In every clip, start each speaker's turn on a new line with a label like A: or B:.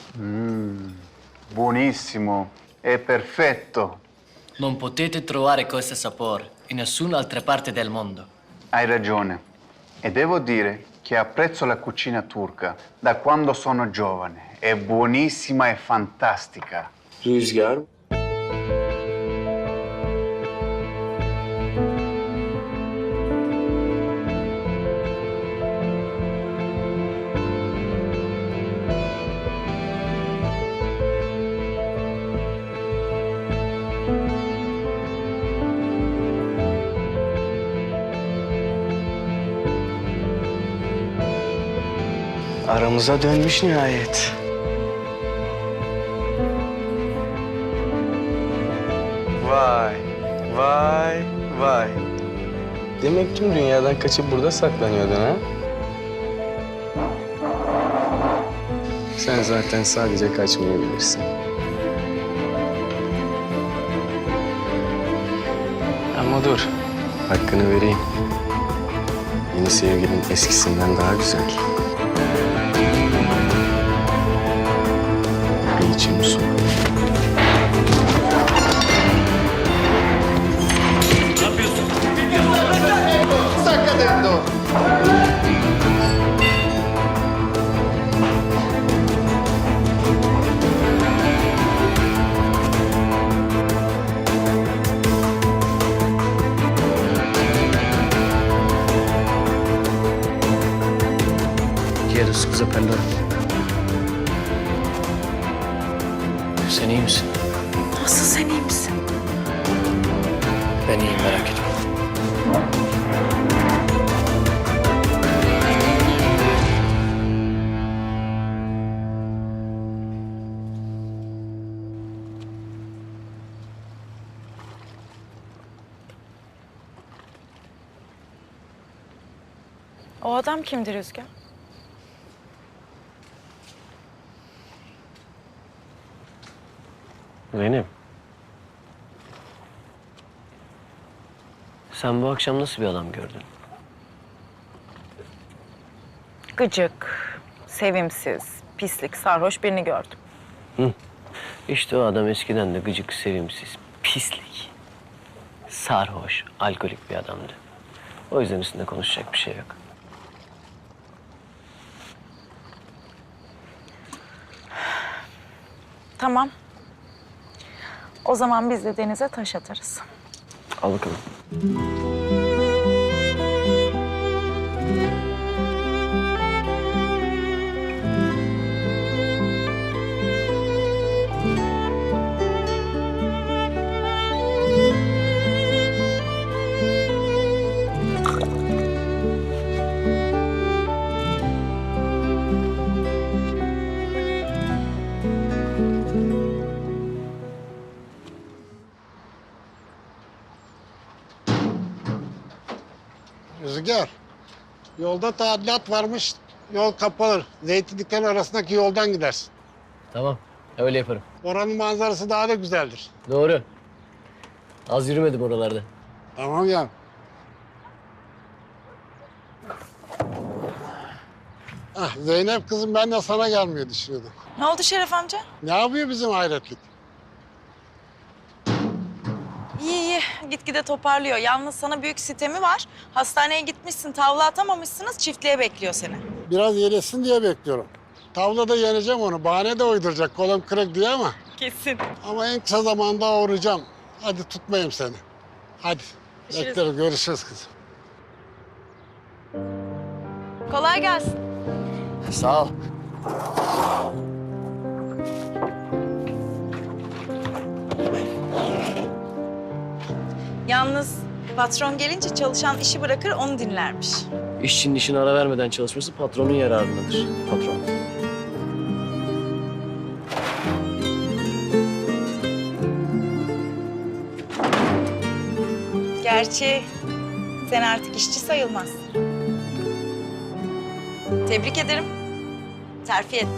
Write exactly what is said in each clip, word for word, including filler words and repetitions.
A: Buonissimo, è perfetto.
B: Non potete trovare questo sapore in nessun'altra parte del mondo.
A: Hai ragione. E devo dire che apprezzo la cucina turca da quando sono giovane. È buonissima e fantastica.
C: Rüzgar. Aramıza dönmüş nihayet. Vay, vay, vay. Demek tüm dünyadan kaçıp burada saklanıyordun ha? Sen zaten sadece kaçmayı bilirsin. Ama dur, hakkını vereyim. Yeni sevgilin eskisinden daha güzel. Bir içim su.
A: Sta accadendo?
B: Chiedo scusa per loro. Sen iyi misin?
D: Nasıl sen iyi misin?
B: Ben iyiyim, merak etme.
D: O adam kimdir Rüzgar?
E: Zeynep. Sen bu akşam nasıl bir adam gördün?
D: Gıcık, sevimsiz, pislik, sarhoş birini gördüm.
E: İşte o adam eskiden de gıcık, sevimsiz, pislik, sarhoş, alkolik bir adamdı. O yüzden üstünde konuşacak bir şey yok.
D: Tamam. O zaman biz de denize taş atarız.
E: Al bakalım.
F: Rüzgar, yolda tadilat varmış, yol kapalı. Zeytinliklerin arasındaki yoldan gidersin.
E: Tamam, öyle yaparım.
F: Oranın manzarası daha da güzeldir.
E: Doğru. Az yürümedim oralarda.
F: Tamam ya. Ah, Zeynep kızım ben de sana gelmeyi düşünüyordum.
D: Ne oldu Şeref amca?
F: Ne yapıyor bizim hayretlik?
D: İyi iyi, gitgide toparlıyor. Yalnız sana büyük sitemi var. Hastaneye gitmişsin, tavla atamamışsınız, çiftliğe bekliyor seni.
F: Biraz yelesin diye bekliyorum. Tavlada yeneceğim onu. Bahane de uyduracak kolum kırık diye ama.
D: Kesin.
F: Ama en kısa zamanda uğrayacağım. Hadi tutmayayım seni. Hadi.
D: Görüşürüz.
F: Beklerim. Görüşürüz kızım.
D: Kolay gelsin.
E: Sağ ol.
D: Yalnız patron gelince çalışan işi bırakır, onu dinlermiş.
E: İşçinin işine ara vermeden çalışması patronun yararındadır. Patron.
D: Gerçi sen artık işçi sayılmazsın. Tebrik ederim. Terfi et.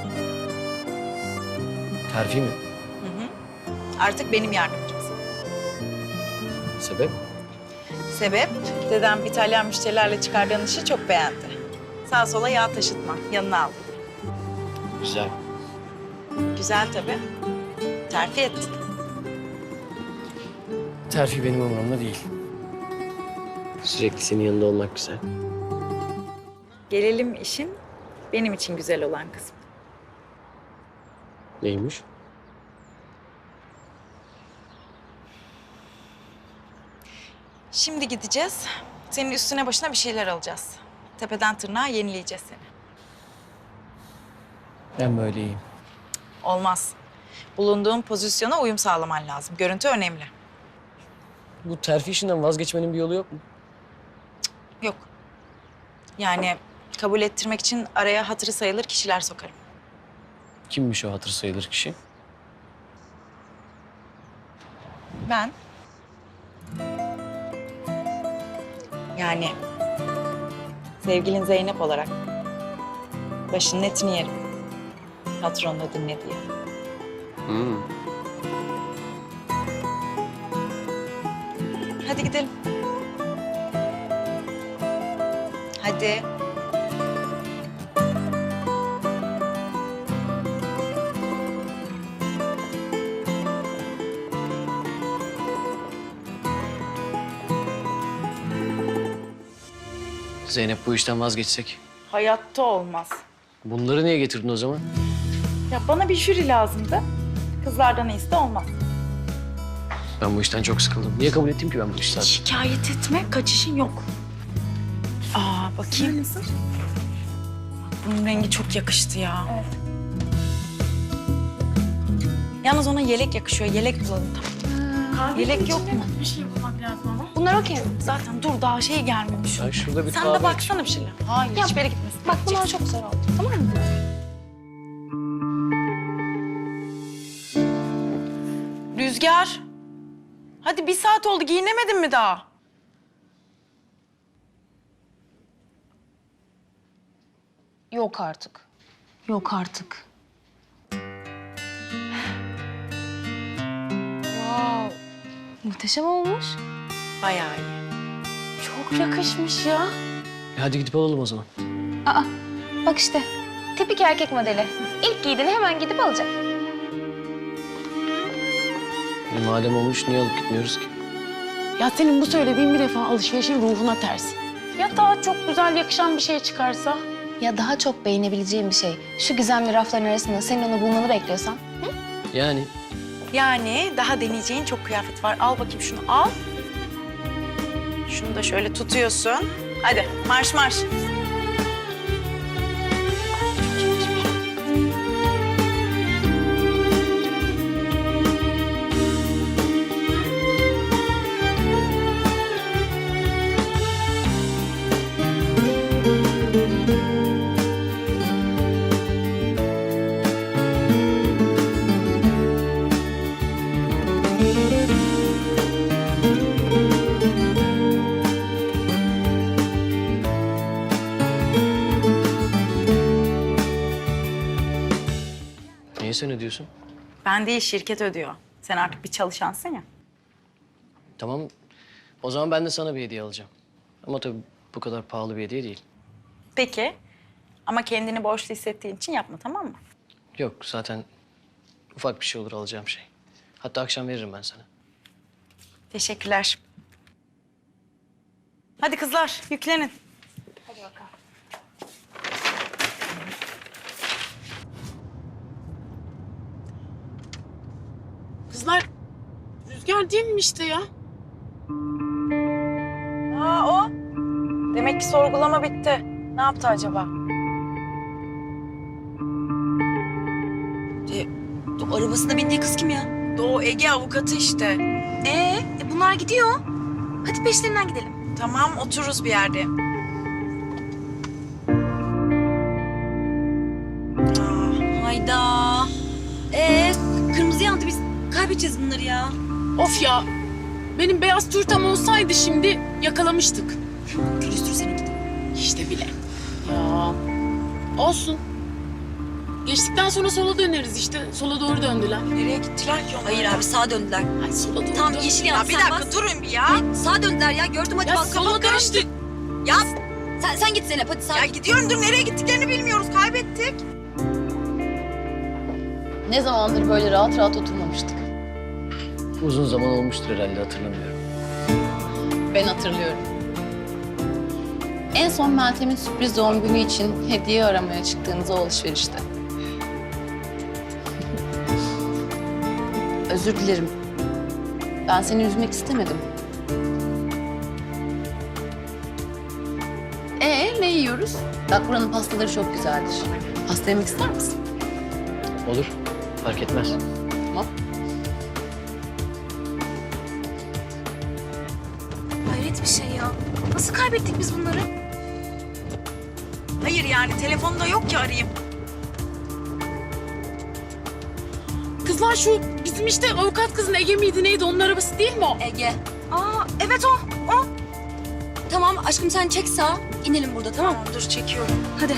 E: Terfi mi?
D: Artık benim yardımcımsın.
E: Sebep?
D: Sebep, dedem İtalyan müşterilerle çıkardığın işi çok beğendi. Sağa sola yağ taşıtma, yanına al.
E: Güzel.
D: Güzel tabii. Terfi ettin.
E: Terfi benim umurumda değil. Sürekli senin yanında olmak güzel.
D: Gelelim işin benim için güzel olan kısmı.
E: Neymiş?
D: Şimdi gideceğiz. Senin üstüne başına bir şeyler alacağız. Tepeden tırnağa yenileyeceğiz seni.
E: Ben böyle iyiyim.
D: Olmaz. Bulunduğun pozisyona uyum sağlaman lazım. Görüntü önemli.
E: Bu terfi işinden vazgeçmenin bir yolu yok mu?
D: Yok. Yani kabul ettirmek için araya hatırı sayılır kişiler sokarım.
E: Kimmiş o hatır sayılır kişi?
D: Ben. Yani sevgilin Zeynep olarak başının etini yerim. Patronla dinle diye.
E: Hmm.
D: Hadi gidelim. Hadi.
E: Zeynep bu işten vazgeçsek.
D: Hayatta olmaz.
E: Bunları niye getirdin o zaman?
D: Ya bana bir jüri lazımdı. Kızlardan iyisi de olmaz.
E: Ben bu işten çok sıkıldım. Niye kabul ettim ki ben bu işi zaten?
D: Şikayet etme, kaçışın yok. Aa bakayım. Nasıl? Bunun rengi çok yakıştı ya. Evet. Yalnız ona yelek yakışıyor. Yelek bulalım tamam. Yelek yok mu?
G: Bir şey bulmak lazım ama.
D: Bunlar okey. Zaten dur daha şey gelmemiş.
E: Ya şurada bir
D: Sen
E: kahve
D: de baksana bir şeyler. Hayır
G: Ya,
D: hiçbir yere gitmesin.
G: Bak bunlar çok güzel oldu. Tamam mı?
D: Rüzgar. Hadi bir saat oldu giyinemedin mi daha?
G: Yok artık. Yok artık. Wow. Muhteşem olmuş.
D: Bayağı iyi.
G: Çok yakışmış ya.
E: E hadi gidip alalım o zaman.
G: Aa, bak işte. Tipik erkek modeli. İlk giydiğini hemen gidip alacak.
E: E madem olmuş niye alıp gitmiyoruz ki?
H: Ya senin bu söylediğin bir defa alışverişin ruhuna ters. Ya daha çok güzel yakışan bir şey çıkarsa?
G: Ya daha çok beğenebileceğim bir şey. Şu gizemli rafların arasında senin onu bulmanı bekliyorsan.
E: Yani
D: Yani daha deneyeceğin çok kıyafet var. Al bakayım şunu al. Şunu da şöyle tutuyorsun. Hadi marş marş.
E: niye sen ödüyorsun?
D: Ben değil şirket ödüyor. Sen artık bir çalışansın ya.
E: Tamam. O zaman ben de sana bir hediye alacağım. Ama tabii bu kadar pahalı bir hediye değil.
D: Peki. Ama kendini borçlu hissettiğin için yapma tamam mı?
E: Yok zaten ufak bir şey olur alacağım şey. Hatta akşam veririm ben sana.
D: Teşekkürler. Hadi kızlar yüklenin.
H: Kızlar Rüzgar değil mi işte ya?
D: Aa o. Demek ki sorgulama bitti. Ne yaptı acaba?
I: O arabasına bindiği kız kim ya?
D: Doğu Ege avukatı işte.
I: Ee, e bunlar gidiyor. Hadi peşlerinden gidelim.
D: Tamam otururuz bir yerde.
I: Hayda. Ee, kırmızı yandı biz kaybedeceğiz bunları ya.
H: Of ya. Benim beyaz turtam olsaydı şimdi yakalamıştık.
I: Külüstür seninki de.
H: İşte bile. Ya. Olsun. Geçtikten sonra sola döneriz işte. Sola doğru döndüler.
D: Nereye gittiler ki onlar?
I: Hayır abi sağa döndüler.
H: Ay sola doğru
I: Tam
H: dön-
I: yeşil
D: Ya
I: yandı.
D: bir
I: sen
D: dakika
I: bas.
D: durun bir ya.
I: Hayır, sağa döndüler ya. Gördüm hadi
H: Ya
I: bak.
H: sola
I: kafam karıştı.
H: döndük.
I: Ya sen, sen git Zeynep hadi sağa
D: Ya
I: git.
D: gidiyorum dur nereye gittiklerini bilmiyoruz kaybettik.
H: Ne zamandır böyle rahat rahat oturmamıştık.
E: Uzun zaman olmuştur herhalde, hatırlamıyorum.
H: Ben hatırlıyorum. En son Meltem'in sürpriz doğum günü için hediye aramaya çıktığınız o alışverişte. Özür dilerim. Ben seni üzmek istemedim. Ee, ne yiyoruz? Bak buranın pastaları çok güzeldir. Pasta yemek ister misin?
E: Olur, fark etmez.
H: Tamam.
I: Hayret bir şey ya. Nasıl kaybettik biz bunları?
D: Hayır yani telefonda yok ki arayayım.
H: Kızlar şu bizim işte avukat kızın Ege miydi neydi? Onun arabası değil mi o?
I: Ege. Aa evet o. O. Tamam aşkım sen çek sağa. İnelim burada tamam mı?
D: Tamam dur çekiyorum.
I: Hadi.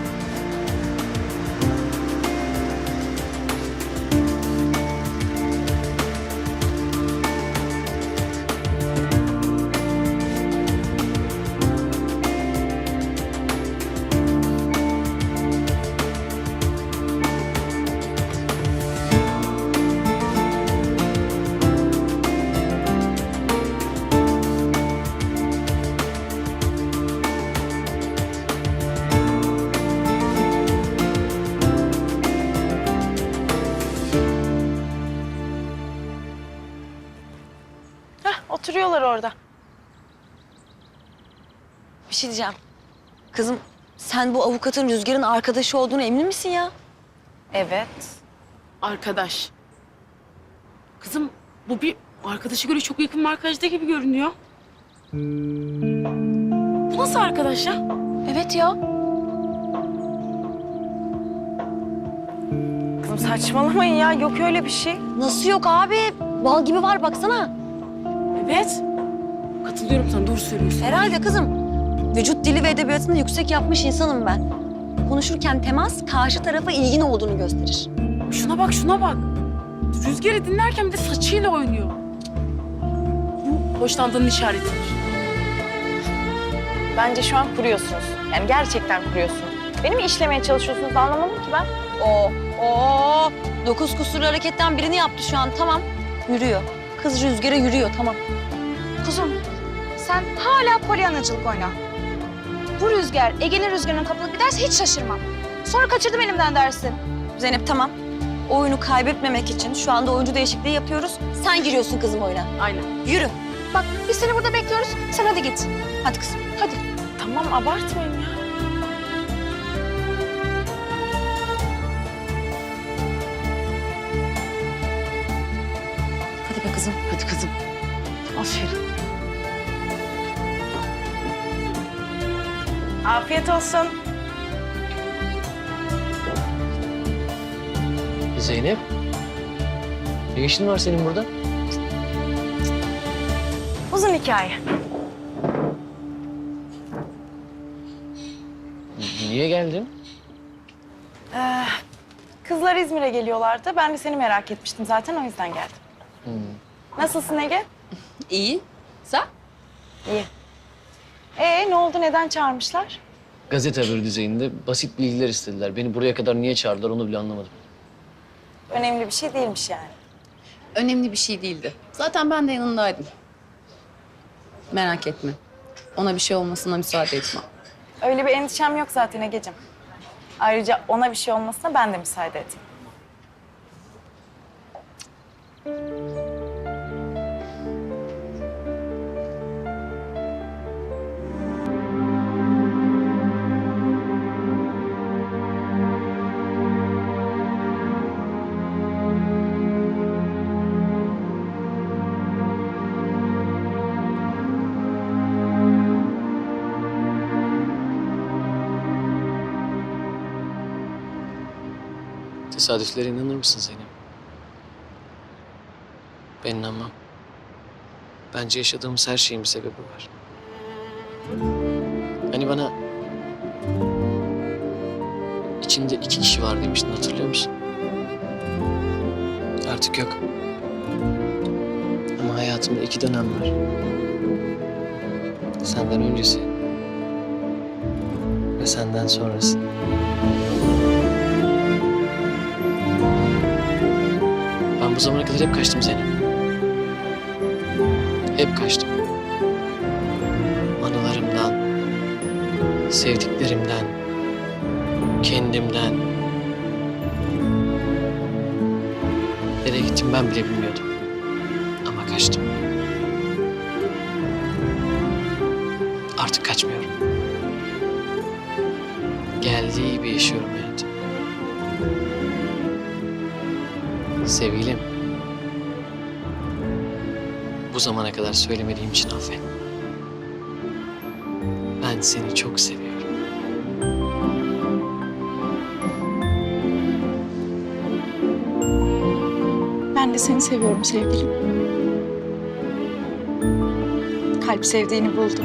D: Heh, oturuyorlar orada.
I: Bir şey diyeceğim. Kızım sen bu avukatın Rüzgar'ın arkadaşı olduğunu emin misin ya?
D: Evet.
H: Arkadaş. Kızım bu bir arkadaşa göre çok yakın bir arkadaşta gibi görünüyor. Bu nasıl arkadaş ya?
I: Evet ya.
D: Kızım saçmalamayın ya. Yok öyle bir şey.
I: Nasıl yok abi? Bal gibi var baksana.
H: Evet. Katılıyorum sana, doğru söylüyorsun.
I: Herhalde kızım. Vücut dili ve edebiyatını yüksek yapmış insanım ben. Konuşurken temas karşı tarafa ilgin olduğunu gösterir.
H: Şuna bak, şuna bak. Rüzgar'ı dinlerken bir de saçıyla oynuyor. Bu hoşlandığının işaretidir.
D: Bence şu an kuruyorsunuz. Yani gerçekten kuruyorsunuz. Beni mi işlemeye çalışıyorsunuz anlamadım ki ben.
I: Oo, oo. Dokuz kusurlu hareketten birini yaptı şu an. Tamam. Yürüyor. Kız Rüzgar'a yürüyor. Tamam.
G: Kuzum, sen hala polyanacılık oyna. Bu Rüzgar, Ege'nin Rüzgar'ına kapılıp giderse hiç şaşırmam. Sonra kaçırdım elimden dersin.
I: Zeynep tamam. Oyunu kaybetmemek için şu anda oyuncu değişikliği yapıyoruz. Sen giriyorsun kızım oyuna.
H: Aynen.
I: Yürü.
G: Bak biz seni burada bekliyoruz, sen hadi git.
I: Hadi kızım.
G: Hadi.
D: Tamam abartmayın ya.
I: Hadi be kızım.
H: Hadi kızım.
D: Aferin. Afiyet olsun.
E: Zeynep, ne işin var senin burada?
D: Uzun hikaye.
E: Niye geldin?
D: Ee, kızlar İzmir'e geliyorlardı. Ben de seni merak etmiştim zaten o yüzden geldim.
E: Hmm.
D: Nasılsın Ege?
H: İyi. Sen?
D: İyi. Ee ne oldu? Neden çağırmışlar?
E: Gazete haberi düzeyinde basit bilgiler istediler. Beni buraya kadar niye çağırdılar onu bile anlamadım.
D: Önemli bir şey değilmiş yani.
H: Önemli bir şey değildi. Zaten ben de yanındaydım. Merak etme. Ona bir şey olmasına müsaade etmem.
D: Öyle bir endişem yok zaten Ege'cim. Ayrıca ona bir şey olmasına ben de müsaade edeyim.
E: Tesadüflere inanır mısın Zeynep? Ben inanmam. Bence yaşadığımız her şeyin bir sebebi var. Hani bana içinde iki kişi var demiştin, hatırlıyor musun? Artık yok. Ama hayatımda iki dönem var. Senden öncesi ve senden sonrası.
B: Ben bu zamana kadar hep kaçtım Zeynep. Hep kaçtım. Anılarımdan, sevdiklerimden, kendimden. Nereye gittim ben bile bilmiyordum. Ama kaçtım. Artık kaçmıyorum. Geldiği gibi yaşıyorum hayatım. Sevgilim. Bu zamana kadar söylemediğim için affet. Ben seni çok seviyorum.
D: Ben de seni seviyorum sevgilim. Kalp sevdiğini buldu.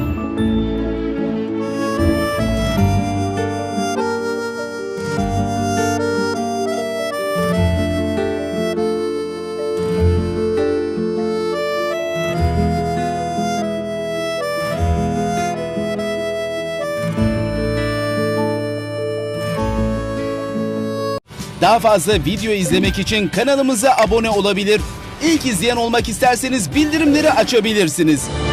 J: Daha fazla video izlemek için kanalımıza abone olabilir. İlk izleyen olmak isterseniz bildirimleri açabilirsiniz.